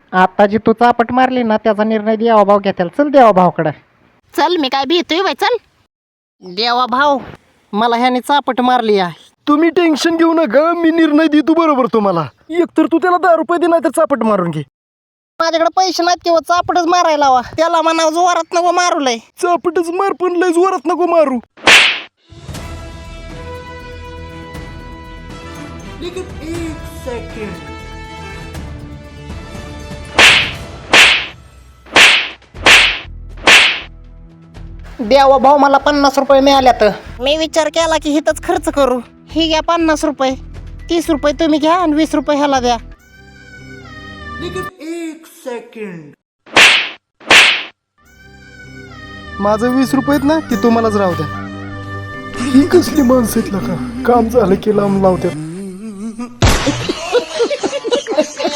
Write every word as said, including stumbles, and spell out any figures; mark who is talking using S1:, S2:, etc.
S1: आता जी तू चापट मारली ना त्याचा निर्णय देवा भाव घेताल. चल देवा भावकडे.
S2: चल मी काय भीतोय बाई, चल.
S1: देवा भाव, मला ह्याने चापट मारली आहे.
S3: तुम्ही टेन्शन घेऊ नका, मी निर्णय देतो बरोबर तुम्हाला. एकतर तू त्याला दहा रुपये दे, नाही तर चापट मारून घे.
S1: माझ्याकडे पैसे नाहीत किंवा चापटच मारायला हवा. त्याला म्हणा जोरात नको मारू लय.
S3: चापटच मार, पण लय जोरात नको मारू.
S1: देवा भाऊ, मला पन्नास रुपये मिळाल्यात. मी विचार केला की हिथंच खर्च करू. ही घ्या पन्नास रुपये. तीस रुपये तुम्ही घ्या आणि वीस रुपये ह्याला द्या.
S3: माझं वीस रुपयेत ना ती तुम्हालाच राहू द्या. ही कसली माणसं आहेत का, काम झालं की लांब लावतात.